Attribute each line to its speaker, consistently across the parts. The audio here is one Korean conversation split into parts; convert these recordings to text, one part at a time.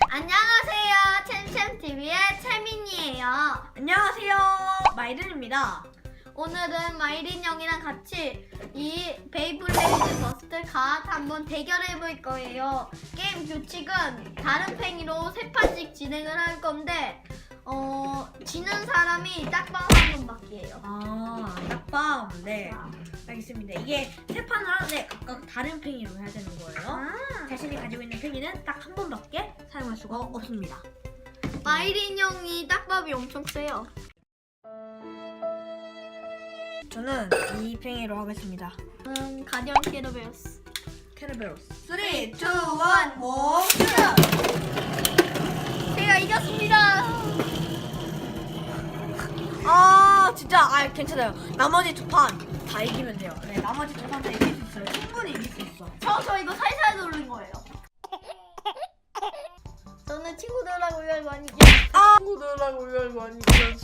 Speaker 1: 안녕하세요. 챔챔TV의 채민이에요.
Speaker 2: 안녕하세요. 마이든입니다.
Speaker 1: 오늘은 마이린 형이랑 같이 이 베이블레이드 버스트 갓 한번 대결해볼 거예요. 게임 규칙은 다른 팽이로 3판씩 진행을 할 건데 지는 사람이 딱방 한 번밖에요.
Speaker 2: 딱밤. 네. 알겠습니다. 이게 세 판을 하는데 각각 다른 팽이로 해야 되는 거예요. 자신이 가지고 있는 팽이는 딱 한 번밖에 사용할 수가 없습니다.
Speaker 1: 마이린 형이 딱밥이 엄청 세요.
Speaker 2: 저는 이 팽이로 하겠습니다.
Speaker 1: 가디언 캐러베어스.
Speaker 2: 캐러베로스.
Speaker 1: 3, 2, 1, 고! 제가 이겼습니다.
Speaker 2: 진짜 괜찮아요. 나머지 두 판 다 이기면 돼요. 네, 나머지 두 판 다 이길 수 있어요. 충분히 이길 수 있어.
Speaker 1: 저 이거 살살 누른 거예요. 저는 친구들하고 이걸 많이
Speaker 3: 친구들하고 이걸 많이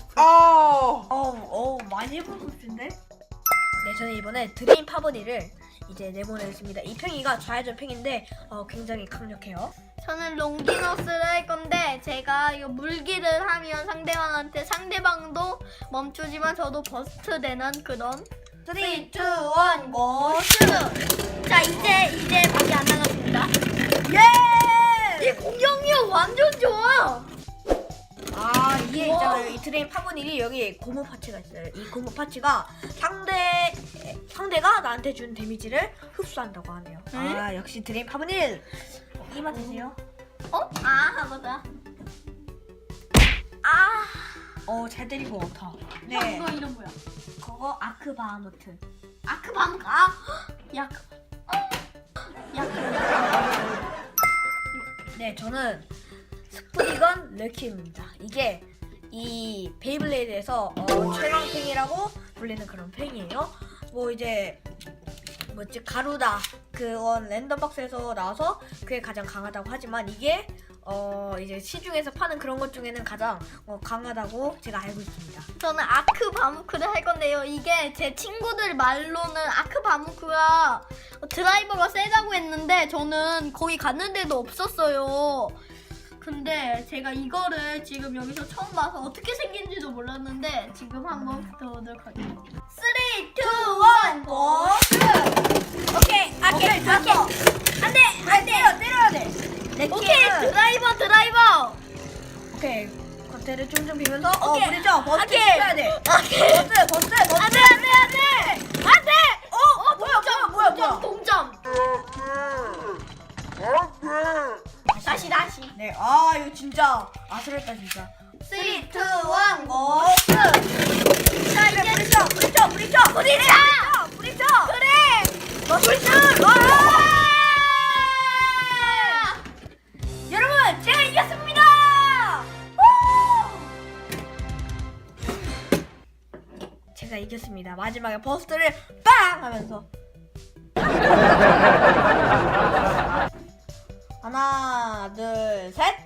Speaker 2: 많이 해본 소스인데? 네, 저는 이번에 드림 파버니를 이제 내보내겠습니다. 이 팽이가 좌회전 팽인데 굉장히 강력해요.
Speaker 1: 저는 롱기너스를 할 건데 제가 이거 물기를 하면 상대방도 멈추지만 저도 버스트 되는 그런
Speaker 2: 3, 2, 1,
Speaker 1: 고! 슈트! 자 이제 밖에 안 나갔습니다.
Speaker 2: 예!
Speaker 1: 이 공격력 완전 좋아.
Speaker 2: 이게 있잖아요. 이 드림 파버니이 여기 고무 파츠가 있어요. 이 고무 파츠가 상대가 나한테 준 데미지를 흡수한다고 하네요. 역시 드림 파버니 이 맛이세요?
Speaker 1: 맞아.
Speaker 2: 잘 때리고 없다.
Speaker 1: 형
Speaker 2: 네,
Speaker 1: 이거 이름 뭐야?
Speaker 2: 그거 아크바하무트.
Speaker 1: 아크밤
Speaker 2: 네, 저는 스프리건 렉킴입니다. 이게 이 베이블레이드에서 최강 팽이라고 불리는 그런 팽이에요. 가루다 그건 랜덤 박스에서 나와서 그게 가장 강하다고 하지만 이게 이제 시중에서 파는 그런 것 중에는 가장 강하다고 제가 알고 있습니다.
Speaker 1: 저는 아크바무크를 할 건데요. 이게 제 친구들 말로는 아크바무크가 드라이버가 세다고 했는데 저는 거기 갔는데도 없었어요. 근데 제가 이거를 지금 여기서 처음 봐서 어떻게 생긴지도 몰랐는데 지금 한번 붙어보도록 하겠습니다. 3, 2, 1, 고! 오케이. 안 돼.
Speaker 2: 때려야 돼.
Speaker 1: 오케이, 드라이버.
Speaker 2: 오케이. 겉에를 쫑쫑 비면서
Speaker 1: 오케이.
Speaker 2: 부딪혀. 버스
Speaker 1: 오케이.
Speaker 2: 쳐야 돼.
Speaker 1: 오케이.
Speaker 2: 버스.
Speaker 1: 안 돼.
Speaker 2: 뭐야.
Speaker 1: 동점. 다시.
Speaker 2: 네, 이거 진짜 아슬했다 진짜.
Speaker 1: 3, 2, 1, 고! 자, 이제
Speaker 2: 부딪혀.
Speaker 1: 그래.
Speaker 2: 여러분, 제가 이겼습니다. 제가 이겼습니다. 마지막에 버스트를 빵 하면서 하나, 둘, 셋.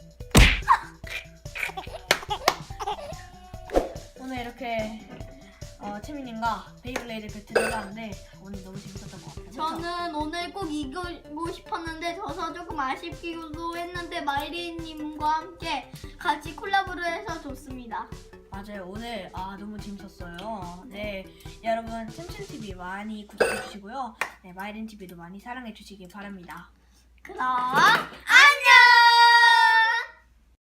Speaker 2: 오늘 이렇게 채민님과 베이블레이드 배틀을 해봤는데 오늘 너무 재밌었던 것 같아요. 그쵸?
Speaker 1: 저는 오늘 꼭 이기고 싶었는데 져서 조금 아쉽기도 했는데 마이리님과 함께 같이 콜라보를 해서 좋습니다.
Speaker 2: 맞아요. 오늘 너무 재밌었어요. 네, 여러분 챔챔TV 많이 구독해주시고요. 네, 마이린TV도 많이 사랑해주시기 바랍니다.
Speaker 1: 그럼